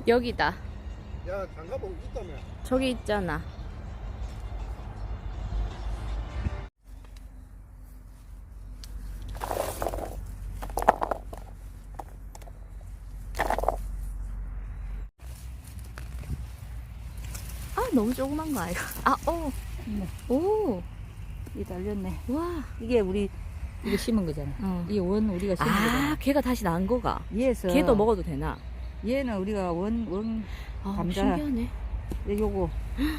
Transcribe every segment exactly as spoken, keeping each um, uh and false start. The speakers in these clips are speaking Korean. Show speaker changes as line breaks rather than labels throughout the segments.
여기다.
야, 장가복 있다며.
저기 있잖아. 아, 너무 조그만 거 아이가? 아, 오.
네.
오.
이 달렸네.
와.
이게 우리 이거 심은 거잖아.
어.
이게 원 우리가 심은
아,
거잖아.
걔가 다시 난 거가.
얘에서
걔도 먹어도 되나?
얘는 우리가 원 원
아,
감자.
신기하네.
요거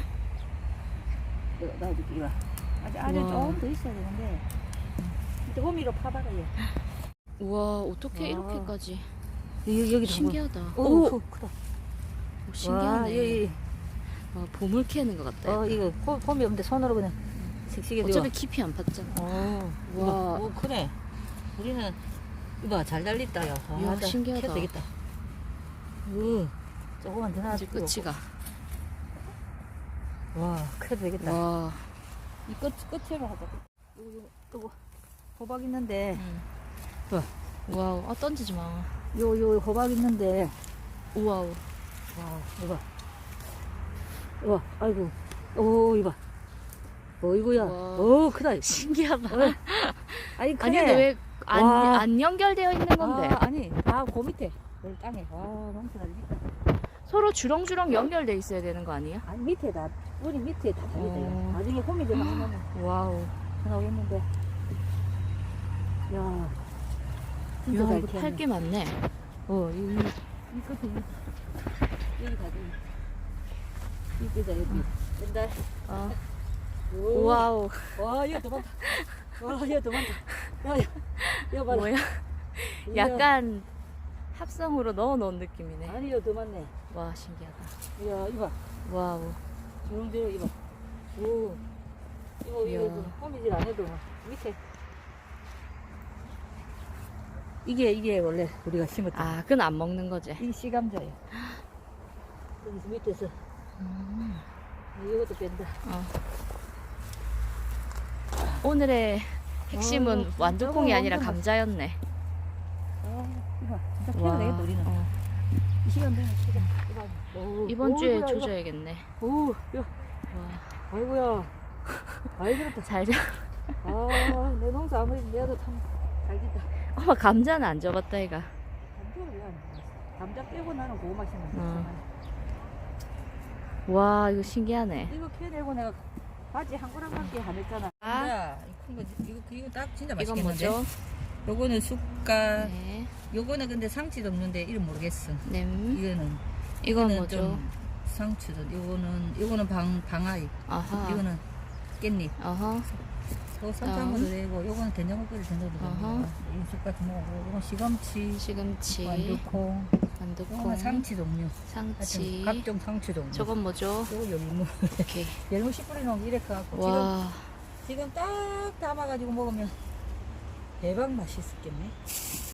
이거 놔줄게. 이거 아직 안에
우와.
조금 더 있어야 되는데 이제 호미로 파다가 얘.
우와, 어떻게
와.
이렇게까지.
여기 여기
신기하다.
오,
오,
오 크다.
오, 신기하네.
와, 여기
와, 보물 캐는 것 같다.
어 이거 호, 호미 없는데 손으로 그냥 씩씩해.
어차피 깊이 안 팠잖아.
어,
와.
와, 오 크네. 우리는 이봐 잘 달렸다 야. 아,
이야,
나
신기하다.
캐도 되겠다. 어, 조금만 더
이제
놔두고.
끝이가.
와, 캐도 되겠다.
와.
이 끝, 끝으로 하자. 요거, 요거, 요거, 호박 있는데,
응.
봐.
와우. 아, 던지지 마.
요, 요, 호박 있는데,
우와우.
와, 이봐. 이봐, 아이고, 오, 이봐. 어이구야.
와.
오, 크다.
신기하다.
어. 아니, 크네.
아니, 근데 왜 안,
와.
안 연결되어 있는 건데?
아, 아니, 아, 그 밑에. 여기 땅에. 와, 너무 크다.
서로 주렁주렁 연결돼 있어야 되는 거 아니야?
아니, 밑에 다, 우리 밑에 다 달렸다.
어.
나중에 호미 좀 하면
와우.
나오겠는데. 야, 진짜
야,
잘
이거
키웠네.
팔 게 많네.
어, 이, 이, 이 끝에, 이, 여기 가지. 이 끝에, 여기. 옛날.
어.
오.
와우.
와, 이거 더 많다. 와, 이거 더 많다. 야, 야, 이거 봐라.
뭐야?
이거-
약간 합성으로 넣어 놓은 느낌이네.
아니, 이거 더 많네.
와, 신기하다.
야, 이거 봐.
와우.
주렁주렁, 이거 봐. 오. 이거,
이야.
이거, 호미질 안 해도 밑에. 이게, 이게 원래 우리가 심었던.
아, 그건 안 먹는 거지.
이 씨감자예요. 여기서 밑에서.
음.
이것도 뺀다.
어. 오늘의 핵심은
아,
완두콩이
진짜
아니라
완전
감자였네.
아, 이거 진짜 키워야 되겠다, 우리는.
어.
이 시간 되면 키자. 오,
이번
오,
주에
이거야, 이거.
조져야겠네.
오, 야,
와,
아이고야. 아이, 그렇다.
잘 자.
아, 내 농사 아무리 내도 참 잘 됐다.
엄마 감자는 안 접었다 이가.
감자를 왜안 먹었어? 감자 빼고 나는 고구마 심는
어. 와, 이거 신기하네.
이거 캐내고 내가 바지 한 거랑밖에 안 했잖아.
아.
야, 이큰 거, 이거, 이거 딱 진짜
이건
맛있겠는데?
뭐죠?
요거는 쑥갓.
네.
요거는 근데 상치도 없는데 이름 모르겠어.
냄.
이거는.
이건
이거는
뭐죠?
좀 상추도. 요거는, 요거는 방, 방아잎.
아하.
이거는 깻잎.
아하.
요 설탕으로 되고, 요거는 된장국끓이 된장도
어허.
되고, 이 쑥갓 먹고, 요건 시금치,
시금치.
완두콩,
완두콩.
요거는 상치 종류.
상치.
하여튼 각종 상추 종류.
저건 뭐죠?
요거 열무.
오케이.
열무 씨 뿌리 놓으면 이렇게 갖고 지금
와.
지금 딱 담아가지고 먹으면 대박 맛있겠네.